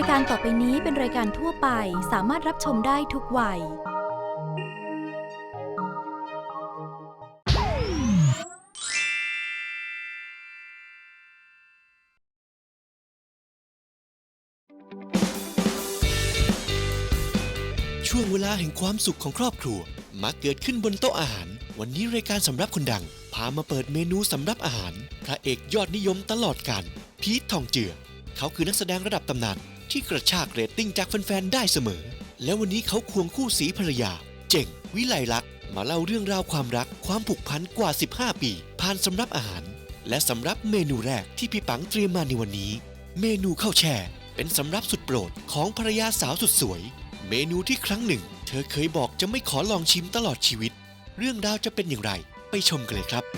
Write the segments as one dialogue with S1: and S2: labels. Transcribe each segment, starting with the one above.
S1: การต่อไปนี้เป็นรายการทั่วไปสามารถรับชมได้ทุกวัย
S2: ช่วงเวลาแห่งความสุขของครอบครัวมักเกิดขึ้นบนโต๊ะอาหารวันนี้รายการสำรับคนดังพามาเปิดเมนูสำรับอาหารพระเอกยอดนิยมตลอดกาลพีททองเจือเขาคือนักแสดงระดับตำนานที่กระชากเรตติ้งจากแฟนๆได้เสมอและวันนี้เขาควงคู่สีภรรยาเจ๋งวิไลลักษณ์มาเล่าเรื่องราวความรักความผูกพันกว่า15ปีผ่านสำรับอาหารและสำรับเมนูแรกที่พี่ปังเตรียมมาในวันนี้เมนูข้าวแช่เป็นสำรับสุดโปรดของภรรยาสาวสุดสวยเมนูที่ครั้งหนึ่งเธอเคยบอกจะไม่ขอลองชิมตลอดชีวิตเรื่องราวจะเป็นอย่างไรไปชมกันเลยครับ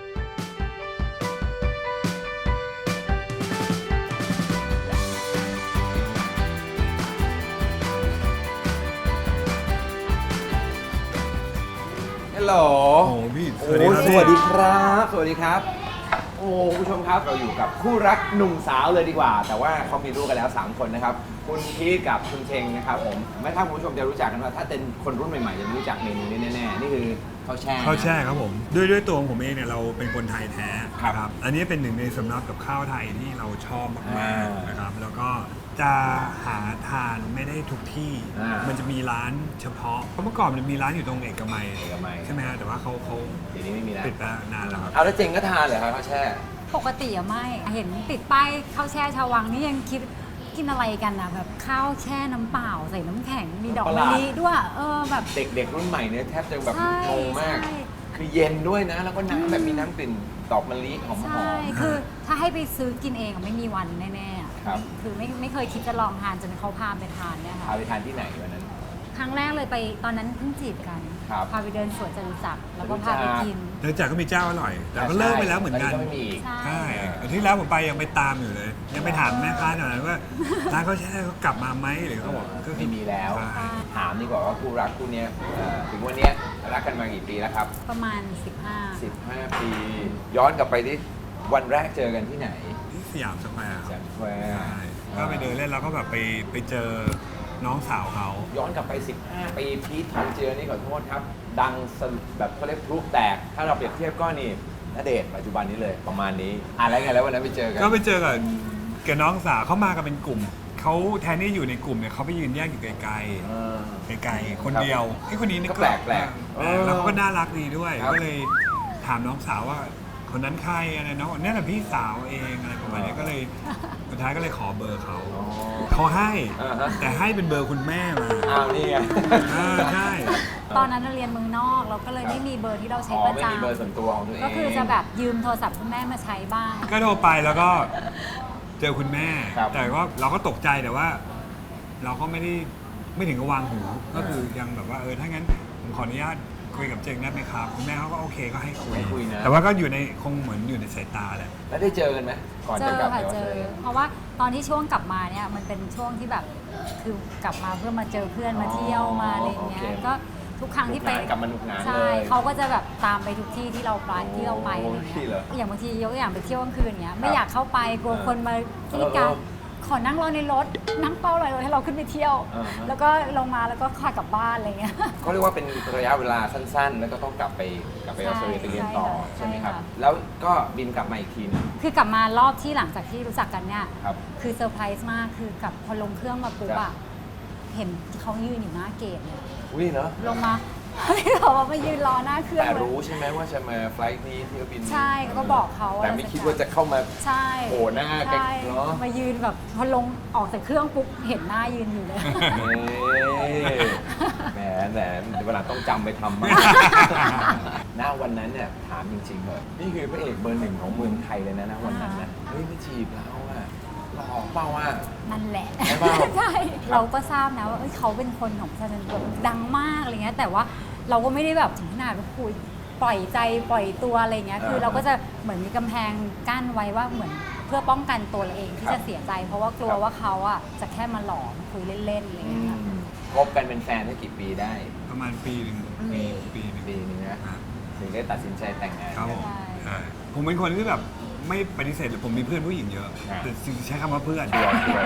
S3: ฮัลโหล
S4: โอ้พี่
S3: สวัสดีครับ สวัสดีครับ โอ้ผู้ชมครับ เราอยู่กับคู่รักหนุ่มสาวเลยดีกว่า แต่ว่าเขามีลูกกันแล้ว 3 คนนะครับ คุณพีทกับคุณเชงนะครับผม ไม่ถ้าคุณผู้ชมจะรู้จักกันว่า ถ้าเป็นคนรุ่นใหม่ๆ จะไม่รู้จักเมนูนี้แน่ๆ นี่คือข้าวแช่
S4: ข้าวแช่ครับผมด้วยตัวของผมเองเนี่ยเราเป็นคนไทยแท้
S3: ครับ
S4: นะครับอันนี้เป็นหนึ่งในสำรับกับข้าวไทยที่เราชอบมากๆนะครับแล้วก็จะหาทานไม่ได้ทุกที่ มันจะมีร้านเฉพาะเพราะเมื่อก่อนมันมีร้านอยู่ตรงเอกมัยใช่ไหมฮะแต่ว่าเขา
S3: เดี๋ยวนี้ไม่มีแล้ว
S4: ปิดไปนานแล้วครับ
S3: เอาแล้วเจงก็ทานเหรอครับข้าวแช่
S5: ปกติอะไม่เห็นติดป้ายข้าวแช่ชาววังนี่ยังคิดกินอะไรกันนะแบบข้าวแช่น้ำเปล่าใส่น้ำแข็งมีดอก
S3: ประห
S5: มะ
S3: ลาด
S5: ลิด้วยแบบ
S3: เด็กๆรุ่นใหม่เนี่ยแทบจะแบบ
S5: ใช่
S3: งงมาก
S5: ใช่
S3: คือเย็นด้วยนะ แล้วก็น้ำแบบมีน้ำกลิ่นดอกมะลิหอม
S5: ใช่คือถ้าให้ไปซื้อกินเองอะไม่มีวันแน่ๆอะ
S3: ครับ
S5: คือไม่เคยคิดจะลองทานจนเขาพาไปทานเนี่ย
S3: พา
S5: ค่ะ
S3: ไปทานที่ไหนวันนั้น
S5: ครั้งแรกเลยไปตอนนั้นเพิ่งจีบกัน
S3: ครับ
S5: พาไปเดินสวนจตุจักรแล้วก็พาไปกิน
S4: เนื่องจากก็มีเจ้าอร่อย แต่ก็เลิกไปแล้วเหมือนกัน
S3: ตก็ไม่มีอีก
S5: ใช่
S4: ใช่อาทิตย์แล้วผมไปยังไปตามอยู่เลย ยังไปถามแม่ค้าหน่อยว่าร้านข้าวแช่เขากลับมาไหมหรือเขาบอกก็
S3: ไม่มีแล้ว
S4: ใช่
S3: ถามดีกว่าว่าคู่รักคู่เนี้ยถึงวันเนี้ยรักกันมากี่ปีแล้วครับ
S5: ประมาณ
S3: 15 ปี ย้อนกลับไปที่วันแรกเจอกันที่ไหน
S4: ที่สยามสแควร์
S3: แซ
S4: ครับ
S3: มแควร์
S4: ใช่ก็ไปเดินเล่นแล้วก็แบบไปเจอน้องสาวเขา
S3: ย้อนกลับไป 15 ปีพีททองเจือนี่ขอโทษครับ ดังสลุแบบเขาเรียกพลุแตก ถ้าเราเปรียบเทียบก็นี่ณเดชน์ปัจจุบันนี้เลยประมาณนี้อะไรไงแล้ววันนั้นไปเจอกัน
S4: ก็ไปเจอกับน้องสาวเขามากันเป็นกลุ่มเขาแทนที่อยู่ในกลุ่มเนี่ยเขาไปยืนแยกอยู่ไกล
S3: เออ
S4: ๆไกลๆคนเดียวไอ้คนนี้นี่
S3: ก็แปลก
S4: มาก แล้วเขาก็น่ารักดีด้วย
S3: ครับ
S4: ก็เลยถามน้องสาวว่าคนนั้นใครอะไรน้องเนี่ยแหละพี่สาวเองอะไรประมาณนี้ก็เลยสุดท้ายก็เลยขอเบอร์เขา
S3: อ๋อ
S4: เขาให้
S3: อ่าฮะ
S4: แต่ให้เป็นเบอร์คุณแม่มา
S3: อ้าวนี่ไง
S4: ใช่
S5: 15 ตอนนั้นเราเรียนเมืองนอกเราก็เลยไม่มีเบอร์ที่เราใช้
S3: อ๋อ
S5: ประ
S3: ไม่มีเบอร์ส่วน
S5: จำ
S3: ตัวของตัวเอง
S5: ก็คือจะแบบยืมโทรศัพท์คุณแม่มาใช้บ้าง
S4: ก็โทรไปแล้วก็เจอคุณแม่
S3: ครับ
S4: แต่ว่าเราก็ตกใจแต่ว่า เราก็ไม่ถึงกับวางหูก็คือยังแบบว่าถ้างั้นผมขออนุญาตคุยกับเจงได้ไหมครับคุณแม่เขาก็โอเคก็ให้คุย
S3: ให้คุยนะ
S4: แต่ว่าก็อยู่ในคงเหมือนอยู่ในสายตาแหละ
S3: แล้วได้เจอกันไหมก่อน
S5: เจ
S3: จะ
S5: อก
S3: ลับ
S5: ค่ะ
S3: ไปออส
S5: เจ
S3: เตร
S5: อ
S3: เลีย
S5: เพราะว่าตอนที่ช่วงกลับมาเนี่ยมันเป็นช่วงที่แบบคือกลับมาเพื่อมาเจอเพื่อนมาเที่ยวมาอะไรอย่างเงี้ย
S3: โอเค
S5: ก็ทุกครั้งที่ไป
S3: หนุกหนานกลับมาหนุกหนาน
S5: ใช่
S3: เลย
S5: เขาก็จะแบบตามไปทุกที่ที่เราไปอะไร
S3: โอ้
S5: อย่าง
S3: ที่
S5: เงี้ย
S3: เหรอ
S5: อย่างบางทียกตัวอย่างไปเที่ยวกลางคืนเงี้ยไม่
S3: ครับ
S5: อยากเข้าไปกลัวคนมาที่การ ขอนั่งรอในรถนั่งเป้ารถให้เราขึ้นไปเที่ยว
S3: อ่าฮะ
S5: แล้วก็ลงมาแล้วก็ขากลับบ้านอะไรเงี้ย
S3: เขาเรียกว่าเป็นระยะเวลาสั้นๆ แล้วก็ต้องกลับไปออสเตรเลียไปเรียนต่อ
S5: ใช่
S3: ใช่ไหมครับ
S5: ค่ะ
S3: แล้วก็บินกลับมาอีกทีหนึง
S5: คือกลับมารอบที่หลังจากที่รู้จักกันเนี่ย
S3: ครับ
S5: คือเซอร์ไพรส์มากคือกลับพอลงเครื่องมาปุ๊บ
S3: ครั
S5: อะ
S3: บ
S5: เห็นเขายืนอยู่หน้าเกตเลย
S3: อุ้ยเนาะ
S5: ลงมา เขาบอกว่ามายืนรอหน้าเครื่อง
S3: แต่
S5: เลย
S3: รู้ใช่ไหมว่าจะมาไฟลท์นี้ที่บิน
S5: ใช่ก็บอกเขา
S3: แต่ไม่คิดว่าจะเข้ามา
S5: ใช่
S3: โผล่หน้าใกล้
S5: ใช่
S3: เนาะ
S5: มายืนแบบพอลงออกจากเครื่องปุ๊บเห็นหน้ายืนอยู่เลย
S3: แหมเวลาต้องจำไปทำมาก หน้าวันนั้นเนี่ยถามจริงๆเลยนี่คือพระเอกเบอร์หนึ่งของเมืองไทยเลยนะวันนั้นนะเฮ้ยไม่จีบเราอะหลอกเปล่าอะ
S5: นั่นแหละ
S3: ใช่เปล่า
S5: ใช่ เราก็ทราบนะว่าเขาเป็นคนของประชาชนแบบดังมากอะไรเงี้ยแต่ว่าเราก็ไม่ได้แบบถึงขนาดว่าคุยปล่อยใจปล่อยตัวอะไรเงี้ยคือเราก็จะเหมือนมีกำแพงกั้นไว้ว่าเหมือนเพื่อป้องกันตัวเราเองที่จะเสียใจ เพราะว่ากลัวว่าเขาอ่ะจะแค่มาหลอกคุยเล่นๆอะไรเงี้ยค่ะ
S3: คบกันเป็นแฟนได้กี่ปีได้
S4: ประมาณปีหนึ่งปีหนึ่ง
S3: ปีหนึงนะถึงได้ตัดสินใจแต่งงาน
S4: ครับ
S3: กั
S4: ผ
S3: น
S4: มใช่ผมเป็นคนที่แบบไม่ปฏิเสธเลยผมมีเพื่อนผู้หญิงเยอะ
S3: อ่า
S4: แต่ใช้คำว่าเพื่อน
S3: ชัวร์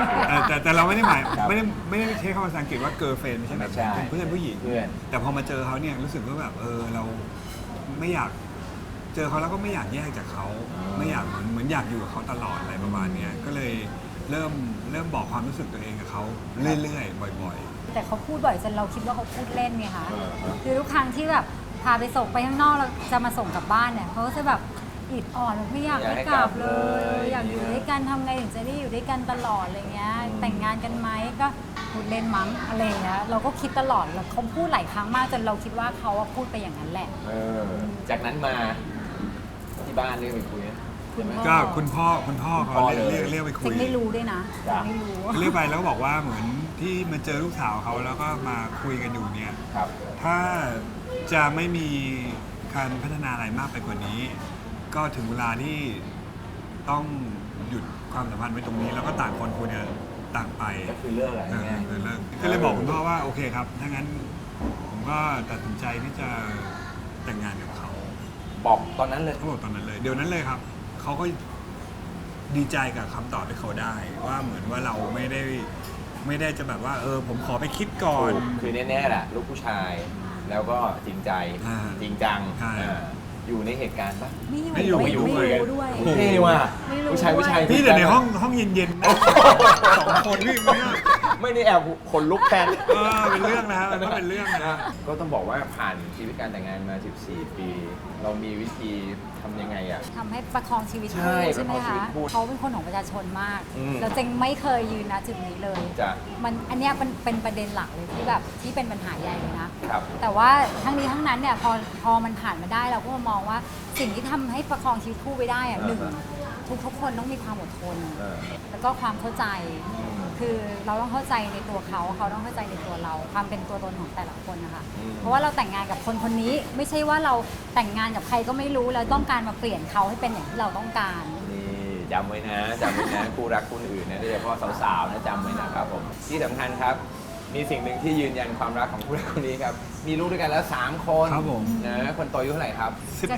S4: แต่เราไม่ได้หมาย
S3: ครับ
S4: ไม่ได้ใช้คำภาษาอังกฤษว่า girlfriend ไม่ใช่แบบ
S3: ไม่ใช่
S4: เป็นเพื่อนผู้หญิง
S3: เพื่อน
S4: แต่พอมาเจอเขาเนี่ยรู้สึกว่าแบบเราไม่อยากเจอเขาแล้วก็ไม่อยากแยกจากเขาไม่อยากเหมือนอยากอยู่กับเขาตลอดอะไรประมาณเนี้ยก็เลยเริ่มบอกความรู้สึกตัวเองกับเขาเรื่อยๆบ่อยๆ
S5: แต่เขาพูดบ่อยจนเราคิดว่าเขาพูดเล่นไงคะ
S3: เออ
S5: คือทุกครั้งที่แบบพาไปส่งไปข้างนอกแล้วจะมาส่งกลับบ้านเนี่ยเขาก็จะแบบอิดอ่อนแบบไม่อยากให้กลับเลย อยากอยู่ด้วยกันทำไงถึงจะได้อยู่ด้วยกันตลอดอะไรเงี้ยแต่งงานกันไหมก็พูดเล่นมั้งอะไรเงี้ยเราก็คิดตลอดแล้วเขาพูดหลายครั้งมากจนเราคิดว่าเขาอะพูดไปอย่างนั้นแหละ
S3: จากนั้นมาที่บ้านเรียกไปคุยนะ
S5: คุณพ่อ
S4: ก็คุณพ่อเขาเรียกไปคุ
S5: เซ็
S4: ย
S5: งไม่รู้ด้วยนะ
S3: จ้ะ
S5: ไม่รู้
S4: เรียกไปแล้วก็บอกว่าเหมือนที่มาเจอลูกสาวเขาแล้วก็มาคุยกันอยู่เนี่ย
S3: ครับ
S4: ถ้าจะไม่มีการพัฒนาอะไรมากไปกว่านี้ ก็ถึงเวลาที่ต้องหยุดความสัมพันธ์ไว้ตรงนี้ แล้วก็ต่างคนควรจะต่างไป
S3: ก็คือเลิกอะไรเงี้ย
S4: เลิกก็เลยบอกคุณพ่อว่าโอเคครับถ้างั้นผมก็ตัดสินใจที่จะแต่งงานกับเขา
S3: บอกตอนนั้นเลย
S4: เขาบอกตอนนั้นเลยเดี๋ยวนั้นเลยครับเขาก็ดีใจกับคำตอบที่เขาได้ ว่าเหมือนว่าเราไม่ได้จะแบบว่าผมขอไปคิดก่อน
S3: คือแน่ๆแหละลูกผู้ชาย แล้วก็จริงใจ
S4: อ่า
S3: จริงจัง
S4: ใช่
S3: อยู่ในเหตุการณ์ปะ
S5: ไม่อยู่
S4: ไม่อยู่
S5: ไม่รู้ด้วย
S3: โอ้โหเท่ว่ะ
S5: ไม่รู้
S3: ผู้ชาย
S4: พี่แต่ในห้องเย็นๆนะสองคนพี่ไม่ได้
S3: ไม่ได้แอบขนลุกแทน
S4: เป็นเรื่องนะมันก็เป็นเรื่องนะ
S3: ก็ต้องบอกว่าผ่านชีวิตการแต่งงานมา 14 ปี เรามีวิธีทำยังไงอ่ะ
S5: ทำให้ประคองชีวิต
S3: ใช่
S5: คู่ใช่ไหม
S3: ประคองชีวิ
S5: คะ
S3: ตคู่
S5: เขาเป็นคนของประชาชนมาก
S3: อืม
S5: แล้วเจงไม่เคยยืนนะจุดนี้เลย
S3: จ้ะ
S5: อันเนี้ยเป็นประเด็นหลักเลยที่แบบที่เป็นปัญหาใหญ่เลยนะ
S3: ครับ
S5: แต่ว่าทั้งนี้ทั้งนั้นเนี่ยพอมันผ่านมาได้เราก็มองว่าสิ่งที่ทำให้ประคองชีวิตคู่ไปได้อะหนึ่งทุกคนต้องมีความอดทน
S3: เออ
S5: แล้วก็ความเข้าใจ
S3: อืม
S5: คือเราต้องเข้าใจในตัวเขาต้องเข้าใจในตัวเรา ความเป็นตัวตนของแต่ละคนนะคะ
S3: อืม
S5: เพราะว่าเราแต่งงานกับคนคนนี้ไม่ใช่ว่าเราแต่งงานกับใครก็ไม่รู้แล้วต้องการมาเปลี่ยนเขาให้เป็นอย่างที่เราต้องการ
S3: นี่จำไว้นะจำไว้นะ คู่รักคู่อื่นนะโดยเฉพาะสาวๆนะจำไว้นะครับผมที่สำคัญครับ มีสิ่งหนึ่งที่ยืนยันความรักของคู่รักคู่นี้ครับ มีลูกด้วยกันแล้ว 3 คน
S4: ครับผม
S3: นะคนโตอายุเท่าไหร่ครับ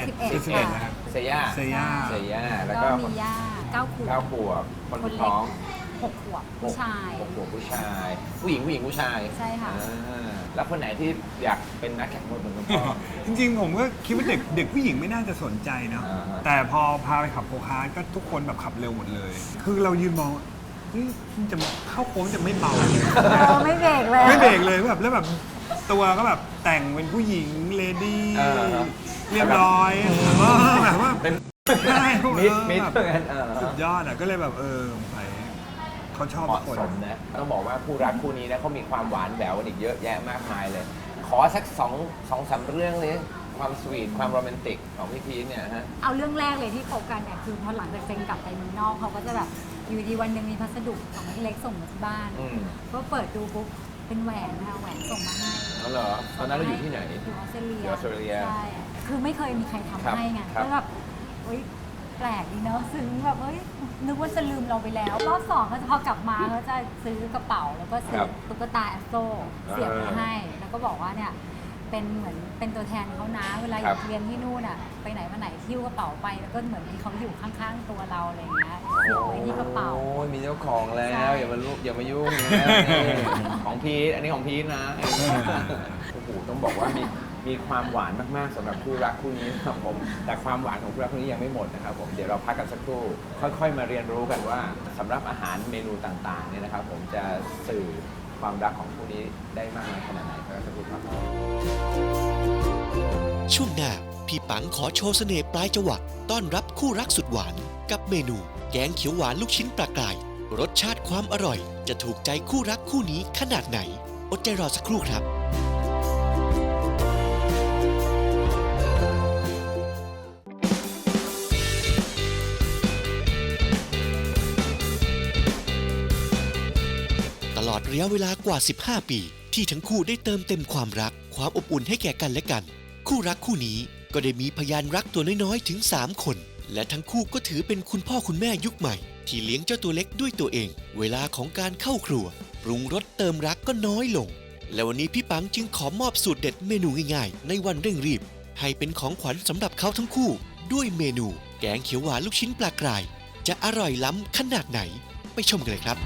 S4: 11นะครับ
S3: เซย่า
S4: เซย่า
S3: เซย่าแล้ว
S5: ก็
S3: ก็
S5: มีย่า9 ขวบ
S3: 9 ขวบคน
S5: คน
S3: สุด
S5: เล็ก
S3: ท้อง
S5: 6 ขวบผู้ชาย
S3: 6 ขวบผู้ชาย ผู้หญิงผู้ชาย
S5: ใช่ค่ะ
S3: อ่าแล้วคนไหนที่อยากเป็นนักแข่งรถเหมือนคุณพ่อ
S4: จริงๆผมก็คิดว่าเด็กผู้หญิงไม่น่าจะสนใจเนาะ
S3: อ่าฮะ
S4: แต่พอพาไปขับโคคาร์ทก็ทุกคนแบบขับเร็วหมดเลย คือเรายืนมองเฮ้ยมันจะเข้าโค้งจะไม่เบาเลย
S5: ไม่เบรกเลย
S4: ไม่เบรกเลยแบบแล้วแบบตัวก็แบบแต่งเป็นผู้หญิงเลดี้
S3: เออ
S4: เรียบร้อยแบบว่า
S3: เป็น
S4: ใช่
S3: มิด
S4: แบบ
S3: เหมือนกัน
S4: สุดยอดอ่ะก็เลยแบบสงสัยเขาชอบ
S3: เห
S4: ทุ
S3: มาะ
S4: กคน
S3: สมนะต้องบอกว่าคู่รักคู่นี้นะเขามีความหวานแหววกันอีกเยอะแยะมากมายเลย ขอสักสองสามเรื่องเลยความสวีทความโรแมนติกของพี่พีชเนี่ยฮะ
S5: เอาเรื่องแรกเลยที่คบกันเนี่ยคือพอหลังจากเจงกลับไปเมืองนอกเขาก็จะแบบอยู่ดีวันหนึ่งมีพัสดุของเล็กส่งมาที่บ้าน
S3: อืม
S5: ก็เปิดดูปุ๊บเป็นแหวนนะคะแหวนส่งมาให้
S3: แล้วเหรอตอนนั้นเราอยู่ที่ไหน
S5: อยู่ออสเตรเลีย
S3: อยู่ออสเตรเลีย
S5: ใช่คือไม่เคยมีใครทำให้ไง
S3: ครับ
S5: ก็แบบเฮ้ยแปลกดีเนอะซึ้งแบบเฮ้ยนึกว่าจะลืมเราไปแล้วรอบสองก็จะพอกลับมาเขาจะซื้อกระเป๋าแล้วก็ซื้อตุ๊กตาแอสโซเสียบมาให้ แล้วก็บอกว่าเนี่ยเป็นเหมือนเป็นตัวแทนเขานะเวลาอยู่เรียนที่นู่นอ่ะไปไหนมาไหนหิ้วกระเป๋าไปแล้วก็เหมือนมีเขาอยู่ข้างๆตัวเราอะไรอย่างเงี้ยเสียบไว้ที่กระเป๋า
S3: โอ้ยมีเจ้าของแล้
S5: ใช่
S3: วอย่ามายุ่งนะนี่ของพีชอันนี้ของพีชนะโอ้โหต้องบอกว่ามีความหวานมากๆสำหรับคู่รักคู่นี้นะครับผมแต่ความหวานของคู่รักคู่นี้ยังไม่หมดนะครับผมเดี๋ยวเราพักกันสักครู่ค่อยๆมาเรียนรู้กันว่าสำหรับอาหารเมนูต่างๆเนี่ยนะครับผมจะสื่อความรักของคู่นี้ได้มากน้อยขนาดไหนก็สักครู่ครับ
S2: ช่วงหน้า พี่ปังขอโชว์เสน่ห์ปลายจวักต้อนรับคู่รักสุดหวาน กับเมนู แกงเขียวหวานลูกชิ้นปลากราย รสชาติความอร่อย จะถูกใจคู่รักคู่นี้ขนาดไหน อดใจรอสักครู่ครับ ตลอดระยะเวลากว่า 15 ปี ที่ทั้งคู่ได้เติมเต็มความรัก ความอบอุ่นให้แก่กันและกัน คู่รักคู่นี้ก็ได้มีพยานรักตัวน้อยๆถึง 3 คน และทั้งคู่ก็ถือเป็นคุณพ่อคุณแม่ยุคใหม่ ที่เลี้ยงเจ้าตัวเล็กด้วยตัวเอง เวลาของการเข้าครัว ปรุงรสเติมรักก็น้อยลง และวันนี้พี่ปังจึงขอมอบสูตรเด็ดเมนูง่ายๆ ในวันเร่งรีบ ให้เป็นของขวัญสำหรับเขาทั้งคู่ ด้วยเมนูแกงเขียวหวานลูกชิ้นปลากราย จะอร่อยล้ำขนาดไหนไปชมกันเลยครับ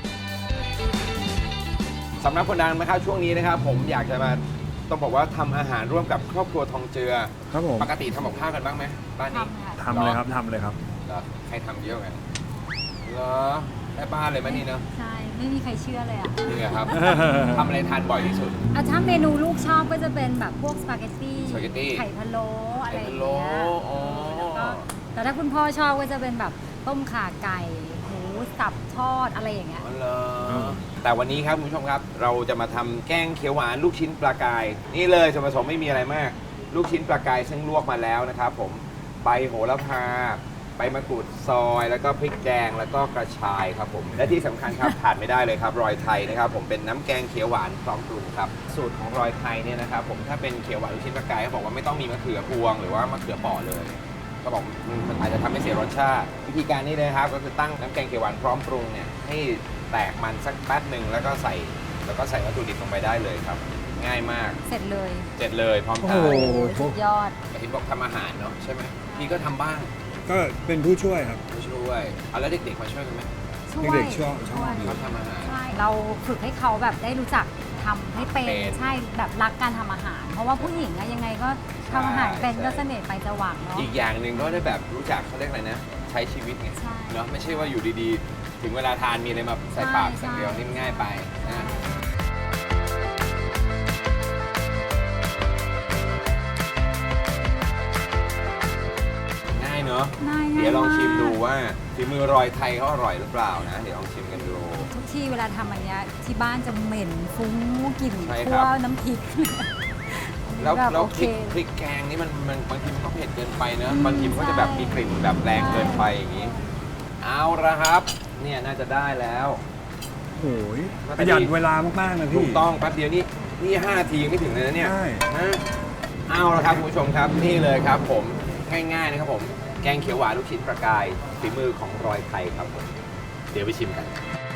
S3: สำหรับคนดังนะครับช่วงนี้นะครับผมอยากจะมาต้องบอกว่าทำอาหารร่วมกับครอบครัวทองเจือ
S4: ครับผม
S3: ปกติทำกับข้าวกันบ้างไหมบ้านนี้
S5: ทำค่ะ
S4: ทำเลยครับ
S3: เหรอใครทำเยอะไงเหรอแม่บ้านเลยไหมนี่เนาะ
S5: ใช่ ไม่มีใครเชื่อเลยอ่ะ
S3: นี่ไงครับ ทำอะไรทานบ่อยที่สุด
S5: ถ้าเมนูลูกชอบก็จะเป็นแบบพวกสปาเกตตี้
S3: สปาเกตตี้
S5: ไข่พะโล้อะไรอย่าง
S3: ไข่พะโล้
S5: เงี้ย
S3: อ๋อ
S5: แล้วก็แต่ถ้าคุณพ่อชอบก็จะเป็นแบบต้มข่าไก่หมูสับทอดอะไรอย่างเงี้ย
S3: อ๋อเหรอแต่วันนี้ครับคุณผู้ชมครับ เราจะมาทำแกงเขียวหวานลูกชิ้นปลากาย นี่เลยส่วนผสมไม่มีอะไรมาก ลูกชิ้นปลากายซึ่งลวกมาแล้วนะครับผมใบโหระพาใบมะกรูดซอย แล้วก็พริกแดงแล้วก็กระชายครับผมและที่สำคัญครับ ขาดไม่ได้เลยครับรอยไทยนะครับผมเป็นน้ำแกงเขียวหวานพร้อมปรุงครับสูตรของรอยไทยเนี่ยนะครับผมถ้าเป็นเขียวหวานลูกชิ้นปลากายเขาบอกว่าไม่ต้องมีมะเขือพวงหรือว่ามะเขือเปราะเลยก็บอกมันอาจจะทำให้เสียรสชาติวิธีการนี้เลยครับก็คือตั้งน้ำแกงเขียวหวานพร้อมปรุงเนี่ยให้แตกมันสักแป๊บหนึ่งแล้วก็ใส่วัตถุดิบลงไปได้เลยครับง่ายมาก
S5: เสร็จเลย
S3: เสร็จเลยพร้อม
S4: โอ้
S3: ทา
S4: โห
S3: น
S5: สุดยอด
S3: แต่เห็นบอกทำอาหารเนาะใช่ไหมพี่ก็ทำบ้าง
S4: ก็เป็นผู้ช่วยครับ
S3: มาช่วยเอาแล้วเด็กๆมาช่วยกันไหม
S4: เด็กๆชอบ
S3: ชอบทำอาหาร
S5: ใช่ เราฝึกให้เขาแบบได้รู้จักทำให้เป็น
S3: เป็น
S5: ใช่แบบรักการทำอาหาร เพราะว่าผู้หญิงอะยังไงก็ทำอาหารเป็น
S3: ใช่
S5: ก็เสน่ห์ไปจะหวังเนาะ
S3: อีกอย่างหนึ่งก็ได้แบบรู้จักเขาเรียกอะไรนะ ใช้ชีวิตไง
S5: ใช่
S3: เนาะไม่ใช่ว่าอยู่ดีๆ ถึงเวลาทานมีอะไรมาใส่ปาก
S5: ใช่
S3: สักเดียวนี่มันง่ายไปนะง่ายเนาะ
S5: ง่าย
S3: เดี๋ยวลองชิมดู
S5: าก
S3: ว่าฝีมือรอยไทยเขาอร่อยหรือเปล่านะ เดี๋ยวลองชิมกันดู
S5: ทุกที่เวลาทำอันเนี้ยที่บ้านจะเหม็นฟุ้งกลิ่น
S3: ใช่ค
S5: ทั่
S3: รั
S5: ว
S3: บ
S5: น้ำพริก
S3: แล้ว
S5: บบ
S3: แล้ว
S5: โอ
S3: พ
S5: เค
S3: ริกแกงนี่มันบางทีมันก็เผ็ดเกินไปเนอะบางทีมันก็จะแบบมีกลิ่นแบบแรงเกินไปอย่างนี้ เอาละครับ เนี่ยน่าจะได้แล้ว
S4: โอ้ยประหยัดเวลามากๆนะพี่
S3: ถูกต้องแป๊บเดียวนี่5 นาทียังไม่ถึงเลยนะเนี่ย
S4: ใช่
S3: นะเอาละครับคุณผู้ชมครับนี่เลยครับผมง่ายๆนะครับผมแกงเขียวหวานลูกชิ้นประกายฝีมือของรอยไทยครับผมเดี๋ยวไปชิมกัน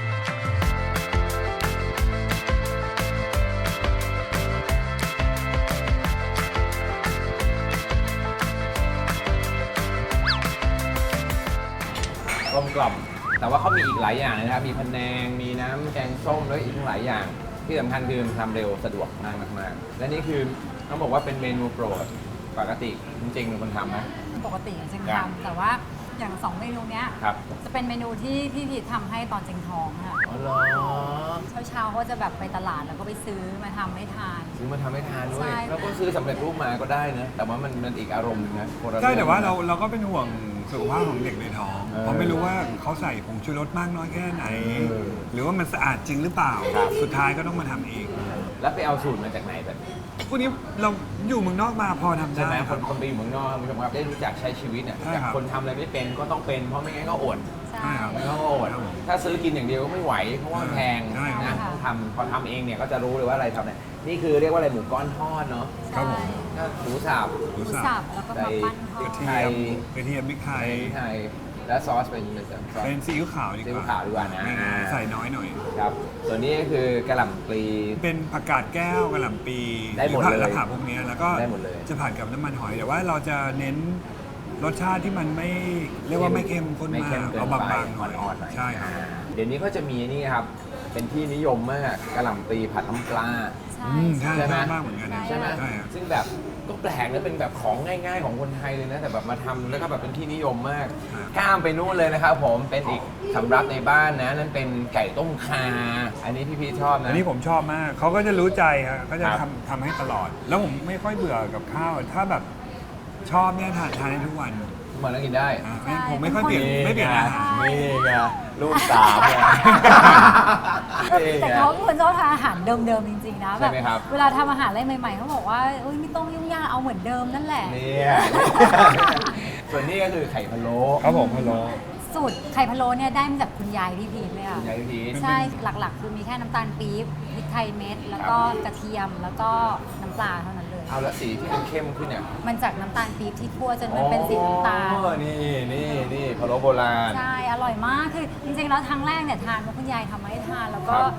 S3: กลมกล่อมแต่ว่าเขามีอีกหลายอย่างนะครับ มีพะแนง มีน้ำแกงส้มแล้วอีกหลายอย่าง ที่สำคัญคือทำเร็วสะดวกมากๆและนี่คือต้องบอกว่าเป็นเมนูโปรดปกติจริงๆเป็นคนทำไหม
S5: ปกติอะเจง
S3: ครับ
S5: ทำแต่ว่าอย่างสองเมนูเนี้ย
S3: ครับ
S5: จะเป็นเมนูที่พี่พีททำให้ตอนเจงท้องค่ะ
S3: อ๋อเหรอ
S5: เช้าๆเขาจะแบบไปตลาดแล้วก็ไปซื้อมาทำให้ทาน
S3: ซื้อมาทำให้ทานด้ว
S5: ใช่
S3: ยแล้วก็ซื้อสำเร็จรูปมาก็ได้นะแต่ว่ามันอีกอารมณ์หนึงนะคนละ
S4: ใช่แต่ว่า
S3: องนะ
S4: เราก็เป็นห่วงสุขภาพของเด็กในท้อง เพราะไม่รู้ว่าเขาใส่ผงชูรสมากน้อยแค่ไหน หรือว่ามันสะอาดจริงหรือเปล่า สุดท้ายก็ต้องมาทำเอง
S3: แล้วไปเอาสูตรมาจากไหนแบบนี้
S4: พวกนี้เราอยู่เมืองนอกมาพอทำ
S3: ใช่
S4: ได้
S3: ไหม
S4: ค
S3: ครับ นไปอยู่เมืองนอกคุณผู้ชมครับได้รู้จักใช้ชีวิตเนี่ย
S4: ใช่
S3: จาก
S4: ครับ
S3: คนทำอะไรไม่เป็นก็ต้องเป็นเพราะไม่งั้นก็อด
S5: ใช่
S4: ใช่ครับ
S3: ไม่งั้นก็อด
S4: ครับผม
S3: ถ้าซื้อกินอย่างเดียวก็ไม่ไหวเพราะว่ามันแพง
S4: ใช่ครับ
S3: นะต้องทำพอทำเองเนี่ยก็จะรู้เลยว่าอะไรทำเนี่ยนี่คือเรียกว่าอะไรหมูก้อนทอดเนาะ
S4: ครับผม
S3: ก็หมูสับ
S4: ห
S5: ห
S4: มู
S5: มู
S4: สั
S5: สั
S4: บบ
S5: แล้วก็มาปั้นทอก
S4: ระ
S5: ด
S4: เทียมพริกไทย
S3: ไทยและซอสเป็นซอส
S4: เป็นซีอิ๊วขาวดีกว่า
S3: ซีอิ๊วขาวดีกว่านะ
S4: ง่ายๆใส่น้อยหน่อย
S3: ครับส่วนนี้ก็คือกระหล่ำปลี
S4: เป็นผักกาดแก้วกระหล่ำปี
S3: ได้หมด
S4: รือผัก
S3: เลย
S4: และผักพวกเนี้ยแล้วก็
S3: ได้หมดเลย
S4: จะผัดกับน้ำมันหอยแต่ว่าเราจะเน้นรสชาติที่มันไม่เรียกว่าไม่เข้มข้น
S3: ไม่
S4: มา
S3: เข้ม
S4: ก
S3: เกิน
S4: เอา
S3: ไป
S4: บางๆหน่อย
S3: อ่อนๆหน่อย
S4: ใช่ครับ
S3: เดี๋ยวนี้ก็จะมีนี่ครับ เป็นที่นิยมมากกระหล่ำปลีผัดน้ำปลา
S5: ใช่
S4: ใช่
S3: ใช่ไหม
S4: มากเหมือนกันนะ
S3: ใช่ไหม
S4: ใช่ครับ
S3: ซึ่งแบบก็แปลกนะเป็นแบบของง่ายๆของคนไทยเลยนะแต่แบบมาทำแล้วก็แบบเป็นที่นิยมมากข้ามไปนู่นเลยนะครับผมเป็นอีกสำรับในบ้านนะนั่นเป็นไก่ต้มคาอันนี้พี่ชอบนะ
S4: อันนี้ผมชอบมากเขาก็จะรู้ใจครับก็จะ
S3: ครับ
S4: ทำให้ตลอด แล้วผมไม่ค่อยเบื่อกับข้าวถ้าแบบชอบเนี่ยทานได้ทุกวัน
S3: ทุกวันแล้วกินได้
S4: อ่ะผมไม่ค่อยเปลี่ยนไม่เปลี่ยนอาหาร
S3: นี่ไงลูกสามเนี่ยนี่
S5: แต่
S3: ไง
S5: เขาเป็นคนชอบทานอาหารเดิมๆจริงๆนะ
S3: ใช่ไหมครับ
S5: เวลาทำอาหารอะไรใหม่ๆเขาบอกว่าเอ้ยไม่ต้องยุ่งยากเอาเหมือนเดิมนั่นแหละ
S3: เนี่ยส่วนนี้ก็คือไข่พะโล้
S4: ครับผมพะโล้
S5: สูตรไข่พะโล้เนี่ยได้มาจากคุณยายพี่พีทเลยอ่ะ
S3: คุณยายพีช
S5: ใช่หลักๆ คือมีแค่น้ำตาลปี๊บพริกไทยเม็ด แล้วก็กระเทียมแล้วก็น้ำปลาเท่านั้นเลย
S3: เอาแล้วสีที่มันเข้มขึ้นเนี่ย
S5: มันจากน้ำตาลปี๊บที่คั่วจนมันเป็นสีน้ำตาล
S3: อ๋อนี่พะโล้โบราณ
S5: ใช่ อร่อยมาก คือจริงๆ แล้วครั้งแรกเนี่ยทานเพราะคุณยายทำมาให้ทาน แล้วก็
S3: ครับ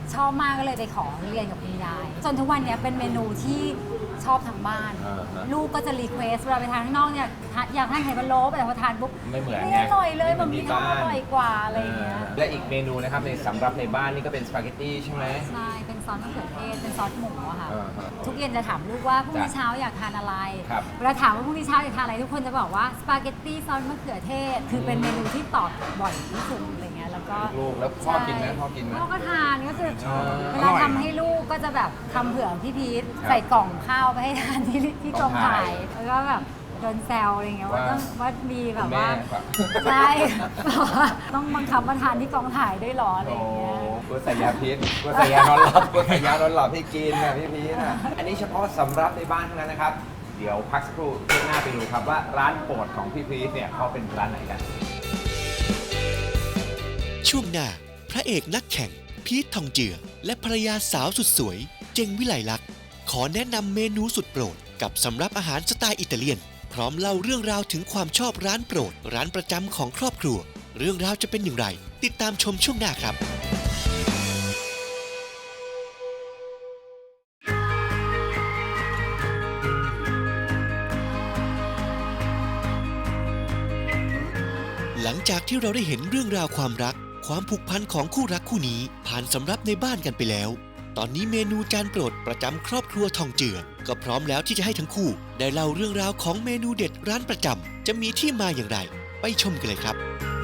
S5: ชอบมากก็เลยไปขอเรียนกับคุณยายจนทุกวันนี้เป็นเมนูที่ชอบทางบ้าน ลูกก็จะรีเควสเวลาไปทานข้างนอกเนี่ยอยากทานไข่พะโล้แต่พอทานปุ๊บ
S3: ไม่เหมือน
S5: ไม่
S3: ไง
S5: อร่อยเลย
S3: ไม่
S5: มัน
S3: เหมื
S5: มี
S3: อนที่
S5: ทำอ
S3: บ้าน
S5: ร่อยกว่าอะไรอย่างเงี้ย
S3: และอีกเมนูนะครับในสำหรับในบ้านนี่ก็เป็นสปาเกตตี้ใช่ไหม
S5: ใช่เป็นซอสมะเขือเทศเป็นซอสหมูอะค่ะ
S3: อ่าฮะ
S5: ทุกเย็นจะถามลูกว่าพรุ่งนี้
S3: จ้ะ
S5: เช้าอยากทานอะไร
S3: ครับ
S5: เวลาถามว่าพรุ่งนี้เช้าอยากทานอะไรทุกคนจะบอกว่าสปาเกตตี้ซอสมะเขือเทศ คือเป็นเมนูที่ตอบบ่อยที่สุดอะไรเงี้ยแล้วก็
S3: ลูกแล้วพ่อกินไหมพ่อกินไหม
S5: พ่อก็ทานก็คือ
S3: ชอบ
S5: เวลาทำให้ลูกก็จะแบบทำเผื่อพี่พีท
S3: ครับ
S5: ใส่กล่องข้าวไปให้ทานที่กองถ่าย
S3: กองถ่าย
S5: แล้วก็แบบโดนแซวอะไรเงี้ยว่า
S3: ว่า
S5: ว่ามีแบ
S3: คุ
S5: บ
S3: ณแม่
S5: ว่า
S3: ครับ
S5: ใช่แบบว่าต้องบังคับมาทานที่กองถ่ายด้วยเหรออะไร
S3: โอ้
S5: อย่างเงี้ย
S3: กูใส่ยาพิษกูใส่ยานอนหลับกูใส่ยานอนหลับให้กินนะพี่พีนะอันนี้เฉพาะสำรับในบ้านเท่านั้นนะครับ เดี๋ยวพักสักครู่ช่วงหน้าไปดูครับว่าร้านโปรดของพี่พีเนี่ยเขาเป็นร้านไหนกัน
S2: ช่วงหน้าพระเอกนักแข่ง พีททองเจือ และภรรยาสาวสุดสวย เจงวิไลลักษณ์ขอแนะนำเมนูสุดโปรดกับสำรับอาหารสไตล์อิตาเลียน พร้อมเล่าเรื่องราวถึงความชอบร้านโปรด ร้านประจำของครอบครัว เรื่องราวจะเป็นอย่างไร ติดตามชมช่วงหน้าครับ หลังจากที่เราได้เห็นเรื่องราวความรัก ความผูกพันของคู่รักคู่นี้ผ่านสำรับในบ้านกันไปแล้ว ตอนนี้เมนูจานโปรดประจำครอบครัวทองเจือ ก็พร้อมแล้วที่จะให้ทั้งคู่ ได้เล่าเรื่องราวของเมนูเด็ดร้านประจำจะมีที่มาอย่างไร ไปชมกันเลยครับ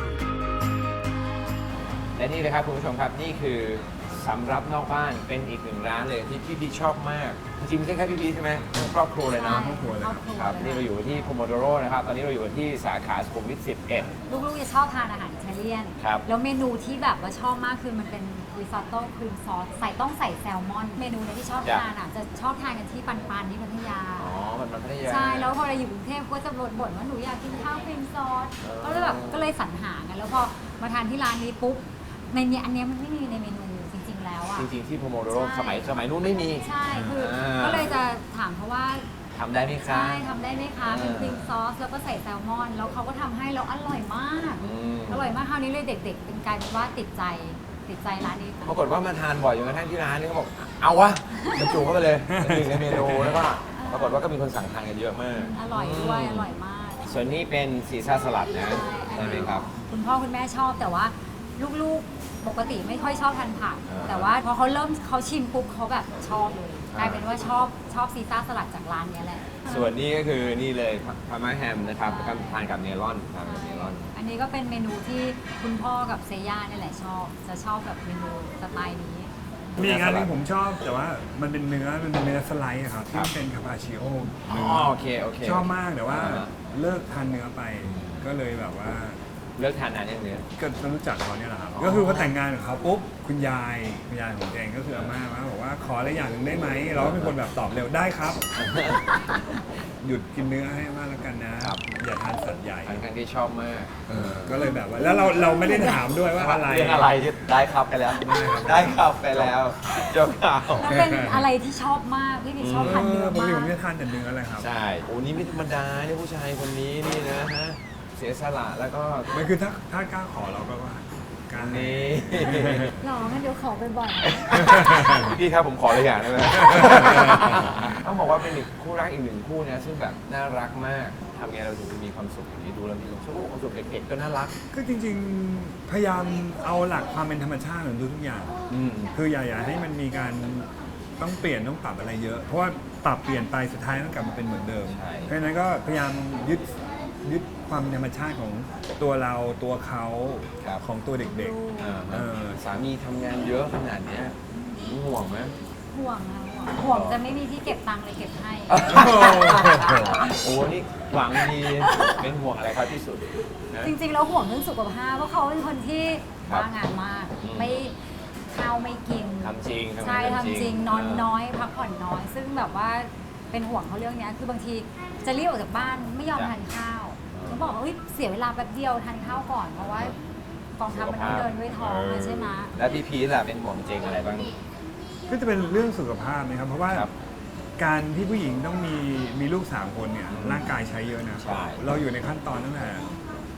S3: และนี่เลยครับคุณผู้ชมครับนี่คือสำรับนอกบ้านเป็นอีกหนึ่งร้านเลยที่พี่พีชอบมากจริงๆไม่ใช่แค่พี่พีชใช่ไหมทั้งครอบครัวเลยนะ
S5: ใช่ครอบครัวเลย
S3: ครับนี่เราอยู่ที่โพโมโดโรนะครับตอนนี้เราอยู่ที่สาขาสุขุมวิท 11
S5: ลูกๆจะชอบทานอาหารอิตาเลียน
S3: ครับ
S5: แล้วเมนูที่แบบว่าชอบมากคือมันเป็นริซอตโต้ครีมซอสต้องใส่แซลมอน เมนูเนี้ที่ชอบทานอ่ะจะชอบทานกันที่ปันที่พัทยา
S3: อ๋อมันพัทยา
S5: ใช่ แล้วพอเราอยู่กรุงเทพก็จะบ่นว่าหนูอยากกินข้าวครีมซอส
S3: เออ
S5: ก็เลยแบบก็เลยสรรหากันแล้วพอมาทานที่ร้านนี้ปุ๊บในเนี้ยอันเนี้ยมันไม่มีในเมนูจริงๆแล้วอ่ะ
S3: จริงๆที่โพโมโดโร
S5: ใช่
S3: สมัยนู้นไม่มี
S5: ใช่คืออา ก็เลยจะถามเขาว่า
S3: ทำได้ไหมคะ
S5: ใช่ทำได้ไหมคะเป็นครีมซอสแล้วก็ใส่แซลมอน แล้วเขาก็ทำให้แล้วอร่อยมาก
S3: อืม
S5: อร่อยมากคราวนี้เลยเด็กๆเป็นกลายเป็นว่าติดใจร้านนี้
S3: ปรากฏว่ามาทานบ่อยจนกระทั่งที่ร้านนี่เขาบอกเอาวะบรรจุเข้าไปเลยหนึ่งในเมนูแล้วก็ปรากฏว่าก็มีคนสั่งทานกันเยอะมาก
S5: อร่อยด้วยอร่อยมาก
S3: ส่วนนี้เป็นซีซ่าสลัดนะใช่ไหมครับ
S5: คุณพ่อคุณแม่ชอบแต่ว่าลูกๆปกติไม่ค่อยชอบทานผัก
S3: อ่า
S5: แต่ว่าพอเขาชิมปุ๊บเขาแบบชอบเลยกลายเป็นว่าชอบซีซ่าสลัดจากร้านเนี้ยแหละ
S3: ส่วนนี้ก็คือนี่เลยพาร์มาแฮมนะครับแล้วก็ทานกับเนลอนทานกับเนลอน
S5: อันนี้ก็เป็นเมนูที่คุณพ่อกับเซย่าเนี่ยแหละจะชอบแบบเมนูสไตล์นี้
S4: มีอีกอันหนึงผมชอบแต่ว่ามันเป็นเนื้อสไลด์อะครับที่เป็นคาปาชิโอ
S3: อ๋อโอเคโอเค
S4: ชอบมากแต่ว่า
S3: อ่า
S4: เลิกทานเนื้อไป ก็เลยแบบว่า
S3: เลิกทานนานยังเนี่ย
S4: ก็รู้จักเขาเนี่ยแหละครับ
S3: อ๋อ
S4: ก็คือพอแต่งงานกับเขาปุ๊บคุณยายของเองก็คืออาม่าบอกว่าขออะไรอย่างหนึ่งได้ไหมเราก็เป็นคนแบบตอบเร็วได้ครับ หยุดกินเนื้อให้มากแล้วกันนะ อย่าทานสัตว์ใหญ่
S3: ค่อนข้างที่ชอบมาก
S4: ก็เลยแบบว่าแล้วเราไม่ได้ถามด้วยว่าอะไร
S3: เรื่องอะไรที่ได้ครับไปแล้ว ได้ครับไปแล้วจบข่าว
S5: แล้วเป็นอะไรที่ชอบมากพี่พีชอบทานเนื้อ
S4: ปก
S5: มา
S4: ติ
S5: ก
S4: ผมจะทานแต่เนื้อเลยครับ
S3: ใช่โอ้นี่ไม่ธรรมดาเนี่ยผู้ชายคนนี้นี่นะฮะเสียสละแล้วก็
S4: มันคือถ้ากล้าขอเราก็ว่ากล้า
S3: นี่
S5: หรองั้นเดี๋ยวขอบ่อย
S3: พี่ครับผมขอเลยอย่างได้ไหม ต้องบอกว่าเป็นอีกคู่รักอีกหนึ่งคู่นะซึ่งแบบน่ารักมากทำไงเราถึงจะมีความสุขอย่างนี้ดูแล้วมีความสุขเด็กๆก็น่ารัก
S4: ก็จริงๆ พยายามเอาหลักความเป็นธรรมชาติของทุกอย่าง
S3: อืม
S4: คืออย่าให้มันมีการต้องเปลี่ยนต้องปรับอะไรเยอะ เพราะว่าปรับเปลี่ยนไปสุดท้ายมันกลับมาเป็นเหมือนเดิม
S3: ใช่
S4: เพราะฉะนั้นก็พยายามยึดความเป็นธรรมชาติของตัวเราตัวเขาของตัวเด็ก
S3: อ่า
S4: เออ
S3: สามีทำงานเยอะขนาดเนี้ยห่วงไหม
S5: ๆห่วงนะห่วงจะไม่มีที่เก็บตังค์เลยเก็บให้
S3: โอ้นี่หวังดีเป็นห่วงอะไรครับที่สุดนะ
S5: จริงๆแล้วห่วงเรื่องสุขภาพเพราะเขาเป็นคนที่
S3: ครับ
S5: บ้างานมาก
S3: อืม
S5: ไม่ข้าวไม่กิน
S3: ทำจริงทำงาน
S5: ใช่ทำจริงนอน
S3: เ
S5: น้อยพักผ่อนน้อย ซึ่งแบบว่าเป็นห่วงเขาเรื่องเนี้ยคือบางทีจะรีบออกจากบ้านไม่ยอม
S3: จ้ะ
S5: ทานข้าว
S3: อ๋อ
S5: เขาบอกว่าเฮ้ยเสียเวลาแป๊บเดียวทานข้าวก่อนเพราะว่ากองทัพมันต้องเดินด้วยท้องอะใช่ไหม
S3: แล้วพี่พีทล่ะเป็นห่วงเจงอะไรบ้าง
S4: ก็จะเป็นเรื่องสุขภาพนะครับ เพราะว่า
S3: ครับ
S4: การที่ผู้หญิงต้องมีลูก3 คนเนี่ยร่างกายใช้เยอะนะ
S3: ใช่
S4: เราอยู่ในขั้นตอนตั้งแต่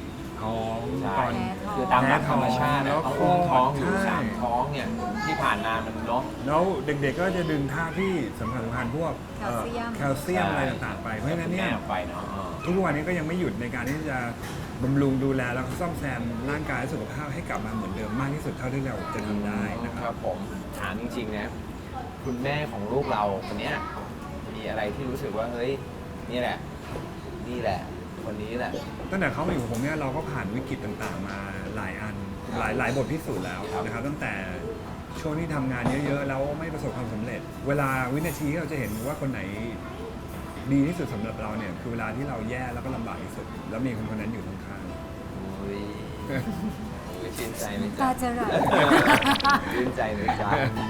S4: ท้อง
S3: ใช่
S4: ตอน
S3: คือตามหลักธรรมชาติ
S4: แพ้
S3: แล้ว
S4: ท้อง
S3: ท้องอยู่
S4: ใช่
S3: 3 ท้องเนี่ยที่ผ่านมามันเนาะ
S4: แล้วเด็กๆก็จะดึงธาตุที่สำคัญพวก
S5: แคลเซียม
S4: แคลเซียมอะไรต่างๆไปเพราะฉะนั้นเนี่ย
S3: แม่ไปเนาะ
S4: ทุกวันนี้ก็ยังไม่หยุดในการที่จะบำรุงดูแลแล้วก็ซ่อมแซมร่างกายและสุขภาพให้กลับมาเหมือนเดิมมากที่สุดเท่าที่เราจะทำได้นะค
S3: ค
S4: รั
S3: รับ บผมถามจริงๆนะคุณแม่ของลูกเราคนเนี้ยมีอะไรที่รู้สึกว่าเฮ้ยนี่แหละคนนี้แหละ
S4: ตั้งแต่เขามาอยู่กับผมเนี่ยเราก็ผ่านวิกฤตต่างๆ มาหลายอันหลายบทพิสูจน์แล้วนะครับตั้งแต่ช่วงที่ทำงานเยอะๆแล้วไม่ประสบความสำเร็จ เวลาวินาทีที่เราจะเห็นว่าคนไหนดีที่สุดสำหรับเราเนี่ยคือเวลาที่เราแย่แล้วก็ลำบากที่สุด แล้วมีคนนั้นอยู่ข้าง
S3: โอ้ยชื่นใจไหม
S5: ตา
S3: จ๊ะ
S5: จะไหล
S3: ชื่นใจเลยจ้า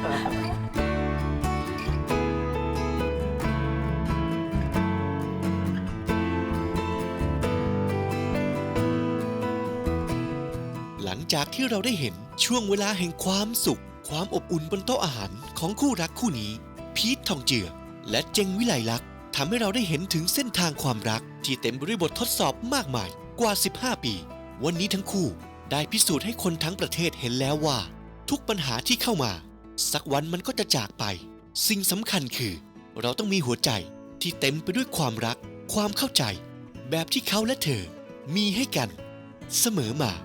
S2: หลังจากที่เราได้เห็นช่วงเวลาแห่งความสุข ความอบอุ่นบนโต๊ะอาหารของคู่รักคู่นี้ พีททองเจือ และเจงวิไลลักษณ์ทำให้เราได้เห็นถึงเส้นทางความรัก ที่เต็มไปด้วยบททดสอบมากมายกว่า 15 ปี วันนี้ทั้งคู่ได้พิสูจน์ให้คนทั้งประเทศเห็นแล้วว่า ทุกปัญหาที่เข้ามา สักวันมันก็จะจากไป สิ่งสำคัญคือ เราต้องมีหัวใจที่เต็มไปด้วยความรัก ความเข้าใจ แบบที่เขาและเธอมีให้กัน เสมอมา